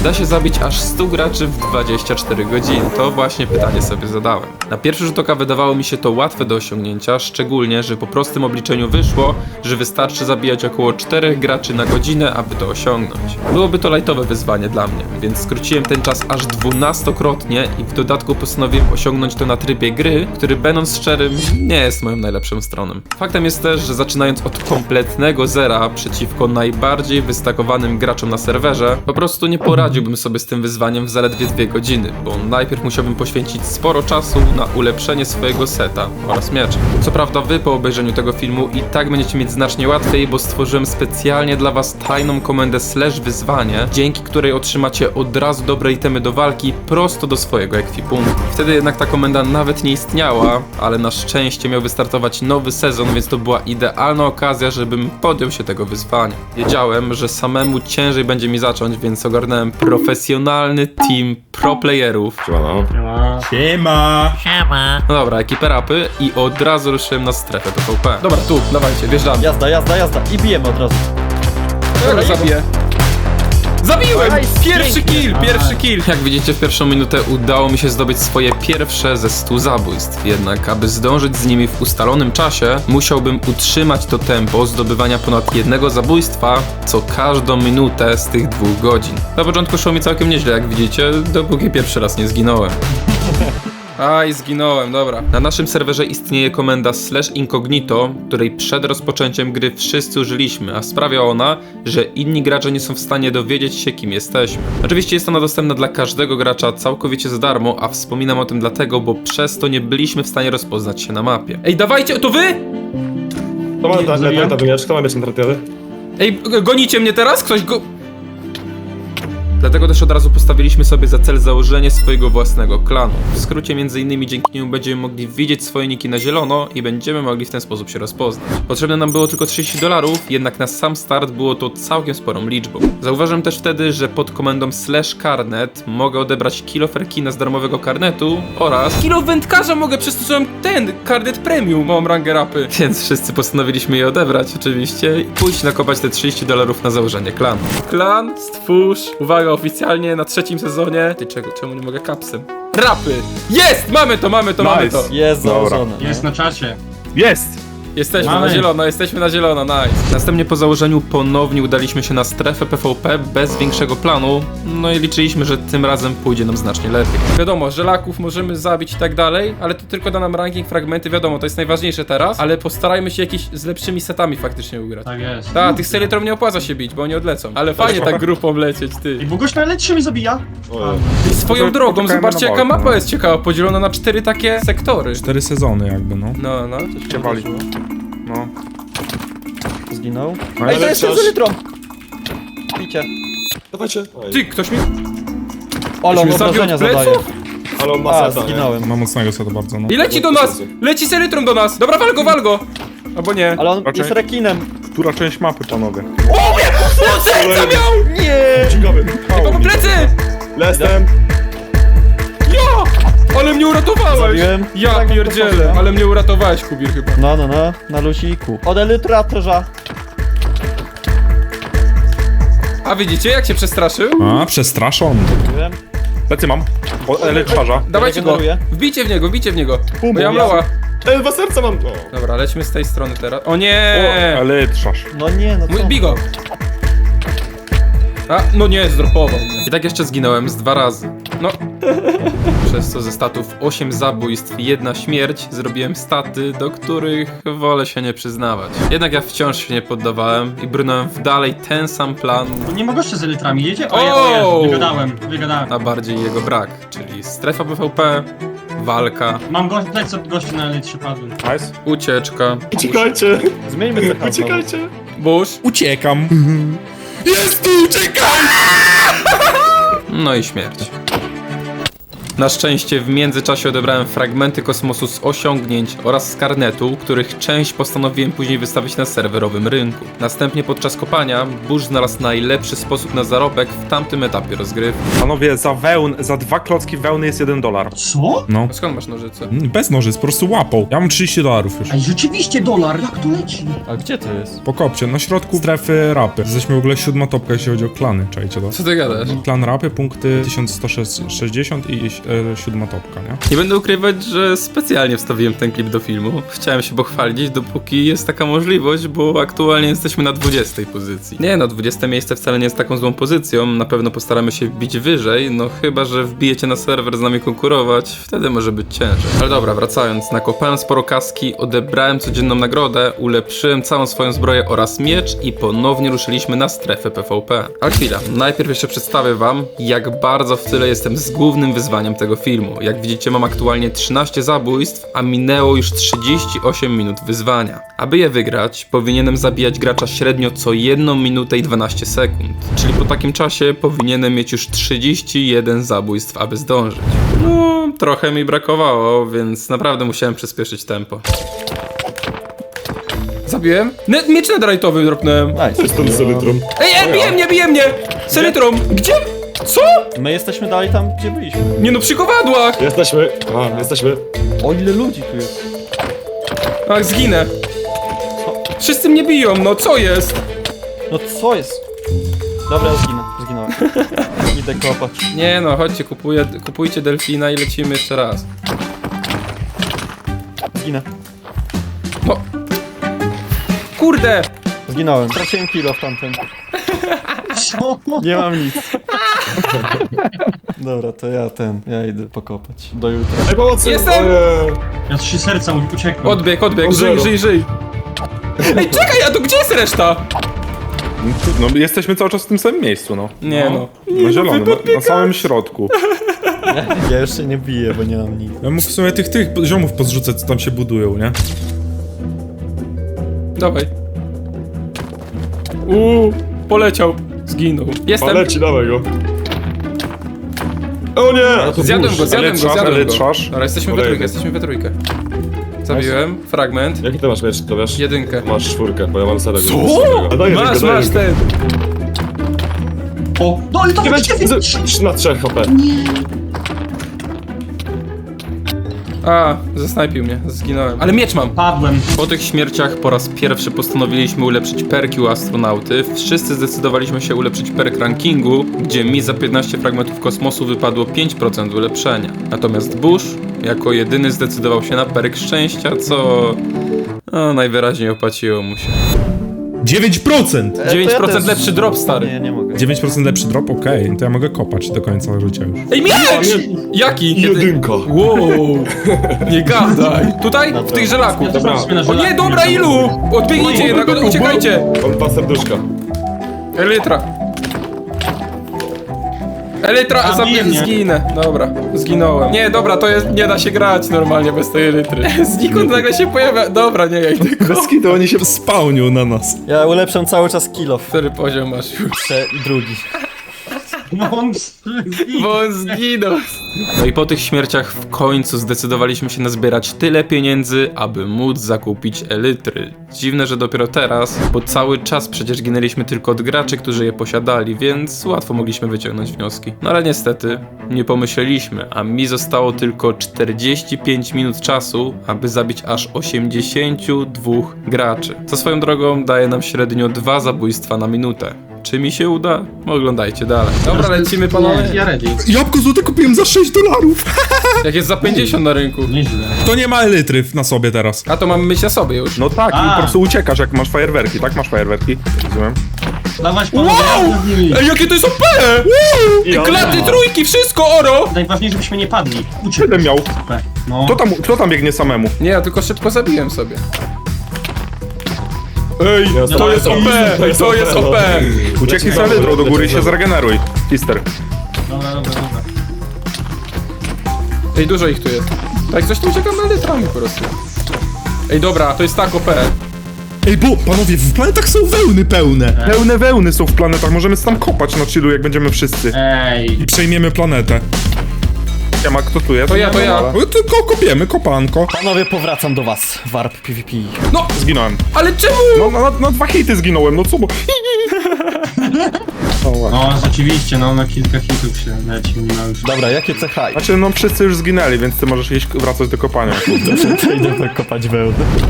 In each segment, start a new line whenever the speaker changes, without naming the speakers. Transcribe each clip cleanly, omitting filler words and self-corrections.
da się zabić aż 100 graczy w 24 godziny? To właśnie pytanie sobie zadałem. Na pierwszy rzut oka wydawało mi się to łatwe do osiągnięcia, szczególnie, że po prostym obliczeniu wyszło, że wystarczy zabijać około 4 graczy na godzinę, aby to osiągnąć. Byłoby to lajtowe wyzwanie dla mnie, więc skróciłem ten czas aż 12-krotnie i w dodatku postanowiłem osiągnąć to na trybie gry, który będąc szczerym, nie jest moją najlepszą stroną. Faktem jest też, że zaczynając od kompletnego zera przeciwko najbardziej wystakowanym graczom na serwerze, po prostu nie poradziłbym sobie z tym wyzwaniem w zaledwie 2 godziny, bo najpierw musiałbym poświęcić sporo czasu na ulepszenie swojego seta oraz miecza. Co prawda wy po obejrzeniu tego filmu i tak będziecie mieć znacznie łatwiej, bo stworzyłem specjalnie dla was tajną komendę /wyzwanie, dzięki której otrzymacie od razu dobre itemy do walki prosto do swojego ekwipunku. Wtedy jednak ta komenda nawet nie istniała, ale na szczęście miał wystartować nowy sezon, więc to była idealna okazja, żebym podjął się tego wyzwania. Wiedziałem, że samemu ciężej będzie mi zacząć, więc ogarnąłem profesjonalny team pro playerów.
Siema.
No dobra, ekipę rapy i od razu ruszyłem na strefę PvP. Dobra, tu, dawajcie, wjeżdżamy.
Jazda i bijemy od razu.
Ja go zabiję. Zabiłem!
Nice,
Pierwszy kill! Jak widzicie, w pierwszą minutę udało mi się zdobyć swoje pierwsze ze 100 zabójstw. Jednak, aby zdążyć z nimi w ustalonym czasie, musiałbym utrzymać to tempo zdobywania ponad jednego zabójstwa co każdą minutę z tych 2 godzin. Na początku szło mi całkiem nieźle, jak widzicie, dopóki pierwszy raz nie zginąłem. Aj, zginąłem, dobra. Na naszym serwerze istnieje komenda /incognito, której przed rozpoczęciem gry wszyscy użyliśmy, a sprawia ona, że inni gracze nie są w stanie dowiedzieć się, kim jesteśmy. Oczywiście jest ona dostępna dla każdego gracza całkowicie za darmo, a wspominam o tym dlatego, bo przez to nie byliśmy w stanie rozpoznać się na mapie. Ej, dawajcie, to wy?!
Kto ma mieć internetowy?
Ej, gonicie mnie teraz? Ktoś go... Dlatego też od razu postawiliśmy sobie za cel założenie swojego własnego klanu. W skrócie m.in. dzięki niemu będziemy mogli widzieć swoje niki na zielono i będziemy mogli w ten sposób się rozpoznać. Potrzebne nam było tylko $30, jednak na sam start było to całkiem sporą liczbą. Zauważyłem też wtedy, że pod komendą /karnet mogę odebrać kilo ferkina z darmowego karnetu oraz kilo wędkarza mogę, przez to, że mam ten karnet premium, mam rangę rapy. Więc wszyscy postanowiliśmy je odebrać oczywiście i pójść nakopać te $30 na założenie klanu. Klan, stwórz, uwaga, oficjalnie na 3. sezonie. Ty czemu nie mogę kapsem? Rapy! Jest! Mamy to!
Jest założone.
Jest na czasie.
Jest!
Jesteśmy
Mamy.
na zielono, nice. Następnie po założeniu ponownie udaliśmy się na strefę PvP bez większego planu, no i liczyliśmy, że tym razem pójdzie nam znacznie lepiej. Wiadomo, żelaków możemy zabić i tak dalej, ale to tylko da nam ranking, fragmenty, wiadomo, to jest najważniejsze teraz, ale postarajmy się jakieś z lepszymi setami faktycznie ugrać.
Tak jest.
Tak, tych Selytrom nie opłaca się bić, bo oni odlecą. Ale fajnie tak grupą lecieć, ty.
I Boguś najlepszy mnie zabija.
Swoją drogą,
poczekajmy
zobaczcie
na
jaka
walkę,
mapa
no.
jest ciekawa, podzielona na 4 takie sektory.
4 sezony jakby, no.
No, coś się
Ciewali.
wydarzyło.
No.
Zginął.
Ale
Ej, to jest
coś-
z litrą! Picie.
Dawajcie.
Ty, ktoś mi...
Olo,
mnie zabił
obrażenia
od pleców?
zadaje.
Ale on ma
A,
seta, nie?
zginąłem.
Ma mocnego seta bardzo, no.
I leci do nas! Leci Selytron do nas! Dobra, wal go! Albo nie.
Ale on
Raczej-
jest rekinem.
Która część mapy, panowie?
Co miał?
Nie!
Ciekawy.
Mam plecy!
Lestem.
Ja! Ale mnie uratowałeś!
Zabiłem.
Ja
Tak,
pierdzielę,
poszedłem.
ale mnie uratowałeś, Kubir, chyba.
No, na lusiku. Od elytratorza.
A widzicie, jak się przestraszył?
A, przestraszony.
Zabiłem.
Plecy mam. Elektrarza.
Dawajcie go!
Regeneruję.
Wbijcie w niego,
Bum,
bo ja
bum,
mała.
2 serca mam. O.
Dobra, lećmy z tej strony teraz. O nie!
Elektrarz.
No nie, no co?
Bij go! A, no nie, zdropował mnie. I tak jeszcze zginąłem z 2 razy. No. Przez co ze statów 8 zabójstw i 1 śmierć zrobiłem staty, do których wolę się nie przyznawać. Jednak ja wciąż się nie poddawałem i brnąłem w dalej ten sam plan,
To nie ma gościa z elitrami, jedzie?
O!
O, wygadałem.
a bardziej jego brak, czyli strefa PvP, walka,
Mam gości na elitrze padły.
Nice.
ucieczka,
Uciekajcie.
Zmieńmy te hasło.
Uciekajcie.
burz,
Uciekam. Jest tu, uciekam!
no i śmierć. Na szczęście w międzyczasie odebrałem fragmenty kosmosu z osiągnięć oraz z karnetu, których część postanowiłem później wystawić na serwerowym rynku. Następnie podczas kopania Bush znalazł najlepszy sposób na zarobek w tamtym etapie rozgrywki.
Panowie, za 2 klocki wełny jest $1.
Co?
No.
A skąd masz nożyce?
Bez nożyc, po prostu łapą. Ja mam $30 już.
Ej, rzeczywiście dolar, jak to leci?
A gdzie to jest?
Po kopcie, na środku strefy rapy. Jesteśmy w ogóle 7. topka, jeśli chodzi o klany, czajcie to?
Co ty gadasz?
Klan rapy, punkty 1160 i 7. topka, nie?
Nie będę ukrywać, że specjalnie wstawiłem ten klip do filmu. Chciałem się pochwalić, dopóki jest taka możliwość, bo aktualnie jesteśmy na 20 pozycji. Nie no, 20 miejsce wcale nie jest taką złą pozycją, na pewno postaramy się wbić wyżej, no chyba, że wbijecie na serwer z nami konkurować, wtedy może być ciężej. Ale dobra, wracając, nakopałem sporo kaski, odebrałem codzienną nagrodę, ulepszyłem całą swoją zbroję oraz miecz i ponownie ruszyliśmy na strefę PvP. Ale chwila, najpierw jeszcze przedstawię wam, jak bardzo w tyle jestem z głównym wyzwaniem tego filmu. Jak widzicie, mam aktualnie 13 zabójstw, a minęło już 38 minut wyzwania. Aby je wygrać, powinienem zabijać gracza średnio co 1 minutę i 12 sekund. Czyli po takim czasie powinienem mieć już 31 zabójstw, aby zdążyć. No, trochę mi brakowało, więc naprawdę musiałem przyspieszyć tempo. Zabiłem? Miecz netherite'owy dropnąłem.
Nice.
Jestem z elytrą.
Ej, bije mnie! Z elytrą! Gdzie? Co?
My jesteśmy dalej tam, gdzie byliśmy.
Nie no, przy kowadłach!
Jesteśmy.
O, ile ludzi tu jest.
Ach, zginę. Wszyscy mnie biją, no co jest?
No co jest? Dobra, ja zginąłem. Idę kopać.
Nie no, chodźcie, kupujcie delfina i lecimy jeszcze raz.
Zginę.
No. Kurde!
Zginąłem. Straciłem kilo w tamtym.
Co?
Nie mam nic. Dobra, to ja idę pokopać. Do jutra.
Ej, pomocy!
Jestem!
Ja 3 serca uciekłem.
Odbieg,
O, zero.
żyj. Ej, czekaj, a to gdzie jest reszta?
No, jesteśmy cały czas w tym samym miejscu, no.
Nie no.
Na zielonym, na samym środku.
Ja jeszcze nie biję, bo nie mam nic.
Ja mógł w sumie tych ziomów pozrzucać, co tam się budują, nie?
Dawaj. Poleciał. Zginął. Jestem.
dawaj go. O nie!
Zjadłem go.
Elytrzasz.
Dobra, jesteśmy we trójkę. Zabiłem. Fragment.
Jaki ty masz miecz, to wiesz?
1.
Masz 4, bo ja mam serek.
Co? Masz ten.
O, no ale to
Nie będzie na 3 HP.
A, zasnajpił mnie. Zginąłem. Ale miecz mam.
Padłem.
Po tych śmierciach po raz pierwszy postanowiliśmy ulepszyć perki u astronauty. Wszyscy zdecydowaliśmy się ulepszyć perk rankingu, gdzie mi za 15 fragmentów kosmosu wypadło 5% ulepszenia. Natomiast Bush jako jedyny zdecydował się na perk szczęścia, co najwyraźniej opłaciło mu się.
9%!
9% lepszy drop, stary.
Nie mogę.
9% lepszy drop? Okej, to ja mogę kopać do końca życia już.
Ej, miecz! Jaki?
Jedynka.
Wow! Nie gadaj! Tutaj? W tych żelaku.
Ja też mam sobie na
O
żelaku.
nie, dobra, ilu? Odbiegnijcie jednak, uciekajcie!
Mam 2 serduszka.
Elytra. Elytra,
Zabije mnie.
zginę. Dobra, zginąłem. Nie, dobra, to jest, nie da się grać normalnie bez tej elytry. Znikąd nagle się pojawia. Dobra, nie, ja idę.
Bez kitu, oni się spawnią na nas.
Ja ulepszam cały czas kilo.
Który poziom masz już?
Drugi.
No on...
Bo on zginął. No i po tych śmierciach w końcu zdecydowaliśmy się nazbierać tyle pieniędzy, aby móc zakupić elytry. Dziwne, że dopiero teraz, bo cały czas przecież ginęliśmy tylko od graczy, którzy je posiadali, więc łatwo mogliśmy wyciągnąć wnioski. No ale niestety, nie pomyśleliśmy, a mi zostało tylko 45 minut czasu, aby zabić aż 82 graczy. Co swoją drogą daje nam średnio 2 zabójstwa na minutę. Czy mi się uda? Oglądajcie dalej. Dobra, lecimy panowie.
Ja ready.
Jabłko złote kupiłem za $6.
Jak jest za 50 na rynku.
Nieźle.
To nie ma elytry na sobie teraz.
A to mamy myśl na sobie już.
No tak, i po prostu uciekasz, jak masz fajerwerki, tak? Masz fajerwerki? Rozumiem.
Dawać panowie,
Wow!
ja z nimi.
Ej, jakie to jest OP! Klaty, trójki, wszystko oro!
Najważniejsze, żebyśmy nie padli.
7 miał.
No.
Kto tam biegnie samemu?
Nie, ja tylko szybko zabiłem sobie. Ej,
No,
to jest OP! To jest OP!
Ucieknij z elytrą do góry i się zregeneruj. Fister.
Dobra.
Ej, dużo ich tu jest. Tak, coś tu uciekam na litrami po prostu. Ej, dobra, to jest tak OP.
Ej, bo panowie, w planetach są wełny pełne.
Pełne wełny są w planetach, możemy tam kopać na chillu, jak będziemy wszyscy.
Ej.
I przejmiemy planetę.
Siema, kto tu jest?
To ja.
No, tylko kopiemy, kopanko.
Panowie, powracam do was. Warp PvP.
Zginąłem.
Ale czemu?
No, na 2 hity zginąłem, no co bo... O, właśnie.
No, rzeczywiście, no, na kilka hitów się leci, nie ma już.
Dobra, jakie cecha?
Znaczy, no wszyscy już zginęli, więc ty możesz iść wracać do kopania.
Idę kopać wełnę.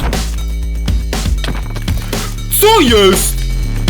Co jest?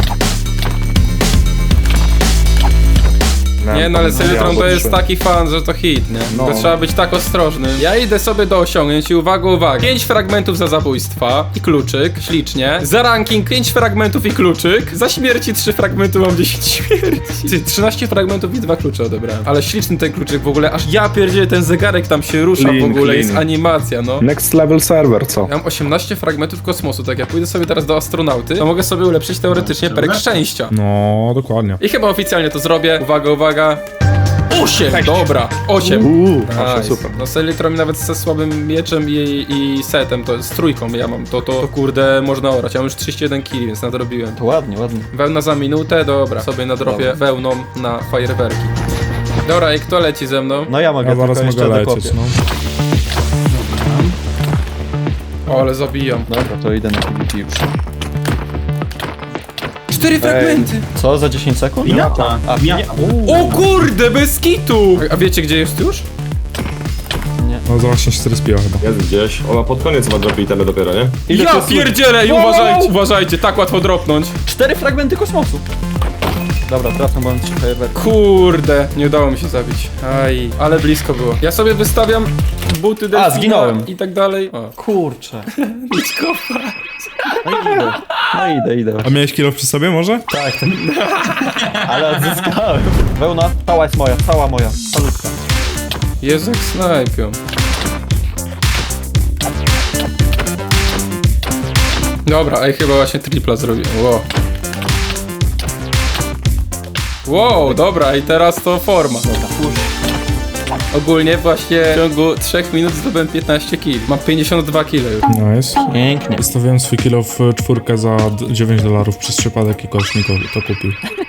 Nie no, ale Selytron to jest taki fan, że to hit, nie?
No.
To trzeba być tak ostrożnym. Ja idę sobie do osiągnięć i uwaga. 5 fragmentów za zabójstwa i kluczyk, ślicznie. Za ranking 5 fragmentów i kluczyk. Za śmierci 3 fragmenty, mam 10 śmierci. Ty, 13 fragmentów i 2 klucze odebrałem. Ale śliczny ten kluczyk w ogóle, aż ja pierdzielę, ten zegarek tam się rusza w ogóle, jest animacja, no.
Next level server, co?
Ja mam 18 fragmentów kosmosu, tak jak pójdę sobie teraz do astronauty, to mogę sobie ulepszyć teoretycznie perk szczęścia.
No, dokładnie.
I chyba oficjalnie to zrobię. Uwaga. 8! Dobra, 8.
Proszę, super.
No Selytron nawet ze słabym mieczem i setem, to z trójką ja mam, to kurde można orać. Ja mam już 31 kg, więc nadrobiłem.
To ładnie.
Wełna za minutę, dobra. Sobie nadrobię wełną na fajerwerki. Dobra, i kto leci ze mną?
No ja mogę,
Ja zaraz
tylko
mogę
jeszcze
lecieć,
dokopię.
no.
O, ale zabijam.
Dobra, to idę na PvP już.
4 fragmenty!
Co, za 10 sekund?
Pinata.
A,
Pinata.
O kurde, bez kitu! A wiecie gdzie jest już?
No, za właśnie się zrespiła chyba.
Jest gdzieś. Ona pod koniec ma dropi itemy dopiero, nie?
Ile to
Ja
jest-
pierdzielę i uważajcie, tak łatwo dropnąć.
4 fragmenty kosmosu. Dobra, trafę, bo mam 3 fajerwerki.
Kurde, nie udało mi się zabić. Aj, ale blisko było. Ja sobie wystawiam buty delfina
zginąłem.
i tak dalej. O.
Kurczę.
Idź kopać.
No idę.
A miałeś kilo przy sobie może?
Tak, tak. Ale odzyskałem. Wełna, cała jest moja, cała moja. Salutka.
Jezu, jak snajpią. Dobra, ej, chyba właśnie tripla zrobiłem. Wow, dobra, i teraz to forma. Ogólnie właśnie w ciągu 3 minut zdobyłem 15 kg. Mam 52 kg już.
Nice.
Pięknie.
Wystawiłem swój kilo w 4 za $9 przez przypadek i ktoś mi to kupił.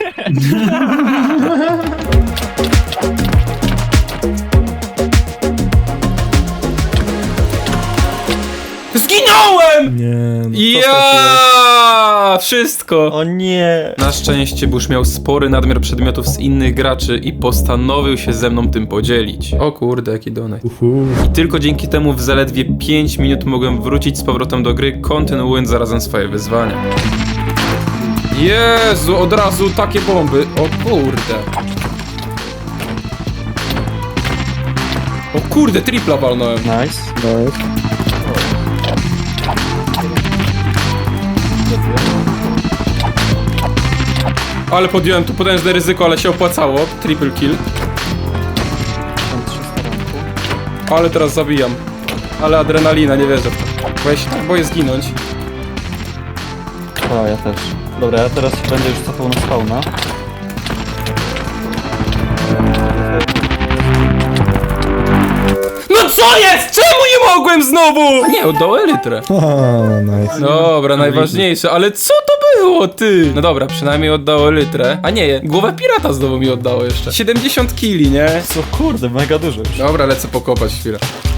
Zginąłem!
Nie, no.
Ja! Wszystko!
O nie.
Na szczęście Bush miał spory nadmiar przedmiotów z innych graczy i postanowił się ze mną tym podzielić. O kurde, jaki donate. I tylko dzięki temu w zaledwie 5 minut mogłem wrócić z powrotem do gry, kontynuując zarazem swoje wyzwania. Jezu, od razu takie bomby. O kurde. O kurde, tripla walnąłem.
Nice.
Ale podjąłem tu potężne ryzyko, ale się opłacało. Triple kill. Ale teraz zabijam. Ale adrenalina, nie wierzę w to. Bo ja się tak boję zginąć.
O, ja też. Dobra, ja teraz będę już cofał na spawna.
No co jest? Czemu nie mogłem znowu? Nie, oddał elytrę.
A, nice.
Dobra, najważniejsze, ale co to było, ty? No dobra, przynajmniej oddało elytrę. A nie, głowę pirata znowu mi oddało jeszcze. 70 kili, nie?
Co kurde, mega dużo już.
Dobra, lecę pokopać chwilę.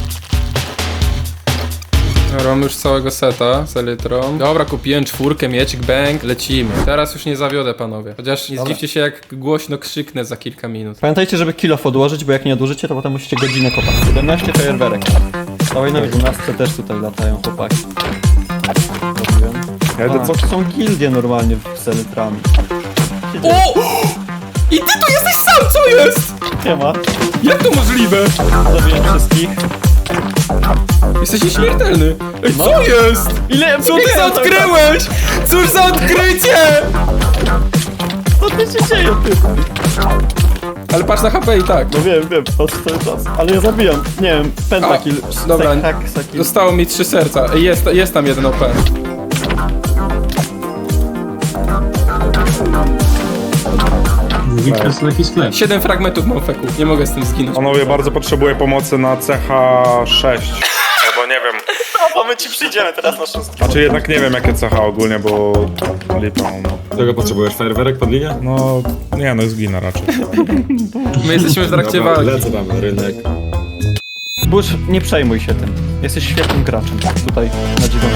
Dobra, mam już całego seta z elytrą. Dobra, kupiłem 4, miecik, bang, lecimy. Teraz już nie zawiodę, panowie. Chociaż nie zdziwcie się, jak głośno krzyknę za kilka minut.
Pamiętajcie, żeby kilof odłożyć, bo jak nie odłożycie, to potem musicie godzinę kopać. 17 fajerwerek. Dawaj na 12 też tutaj latają chłopaki. Robiłem.
Ja idę
A, są gildie normalnie w Selytrami.
O! I ty tu jesteś sam, co jest?
Nie ma.
Jak to możliwe?
Zabiję wszystkich.
Jesteś nieśmiertelny. Ej, co jest?
Ile
Co ty odkryłeś? Cóż za odkrycie!
Co ty się dzieje, ty?
Ale patrz na HP i tak.
No wiem, patrz cały czas. Ale ja zabijam, nie wiem, pentakill.
dobra.
Hexakill.
Zostało mi 3 serca. Ej, jest tam jeden OP.
To jest taki sklep.
7 fragmentów mam feku. Nie mogę z tym zginąć.
Panowie, bardzo potrzebuję pomocy na CH6. Albo nie wiem.
No, bo my ci przyjdziemy teraz na szóstkę.
Znaczy jednak nie wiem jakie CH ogólnie, bo lipa, no.
Czego potrzebujesz? Fajerwerek pod linię?
No, nie no, zginę raczej.
My jesteśmy w trakcie
Dobra,
walki.
lecę tam na rynek.
Bush, nie przejmuj się tym. Jesteś świetnym graczem. Tutaj na 9.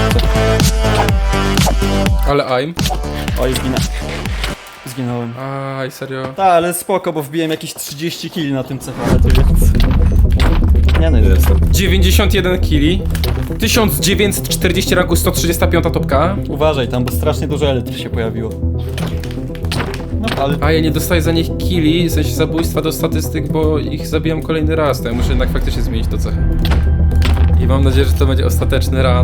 Ale I'm?
Oj, zginąłem.
Aj, serio.
Tak, ale spoko, bo wbiłem jakieś 30 kili na tym cefale, to więc... Nie no, jest.
Jestem.
91 kili. 1940 ranku, 135 topka.
Uważaj tam, bo strasznie dużo elektry się pojawiło. No, ale...
A ja nie dostaję za nich kili, w sensie zabójstwa do statystyk, bo ich zabijam kolejny raz, to ja muszę jednak faktycznie zmienić to cechę. I mam nadzieję, że to będzie ostateczny run.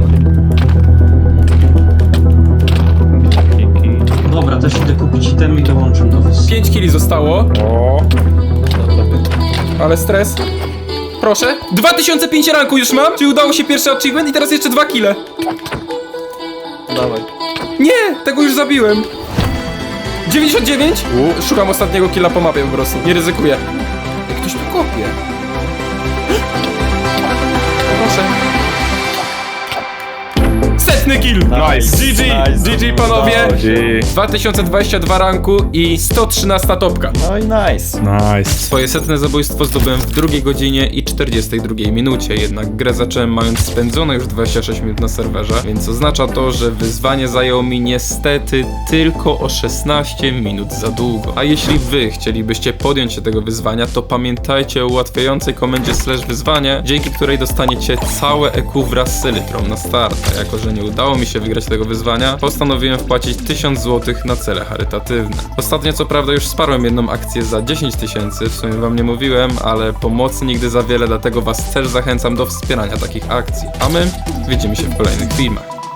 Dobra, też idę kupić item i dołączę do was.
5 kili zostało,
O,
ale stres. Proszę. 2005 ranku już mam, czyli udało się pierwszy achievement i teraz jeszcze 2 kile.
Dawaj.
Nie, tego już zabiłem. 99? Szukam ostatniego killa po mapie po prostu, nie ryzykuję. Jak ktoś tu kopie. Proszę. Setny kill!
Nice.
GG!
Nice.
GG panowie!
G.
2022 ranku i 113 topka.
No i nice.
Nice.
Swoje setne zabójstwo zdobyłem w 2 godzinie i 42 minucie, jednak grę zacząłem mając spędzone już 26 minut na serwerze, więc oznacza to, że wyzwanie zajęło mi niestety tylko o 16 minut za długo. A jeśli wy chcielibyście podjąć się tego wyzwania, to pamiętajcie o ułatwiającej komendzie /wyzwanie, dzięki której dostaniecie całe EQ wraz z elytrą na start. A jako, że nie udało mi się wygrać tego wyzwania, postanowiłem wpłacić 1000 zł na cele charytatywne. Ostatnio co prawda już wsparłem jedną akcję za 10 000, w sumie wam nie mówiłem, ale pomocy nigdy za wiele, dlatego was też zachęcam do wspierania takich akcji. A my widzimy się w kolejnych filmach.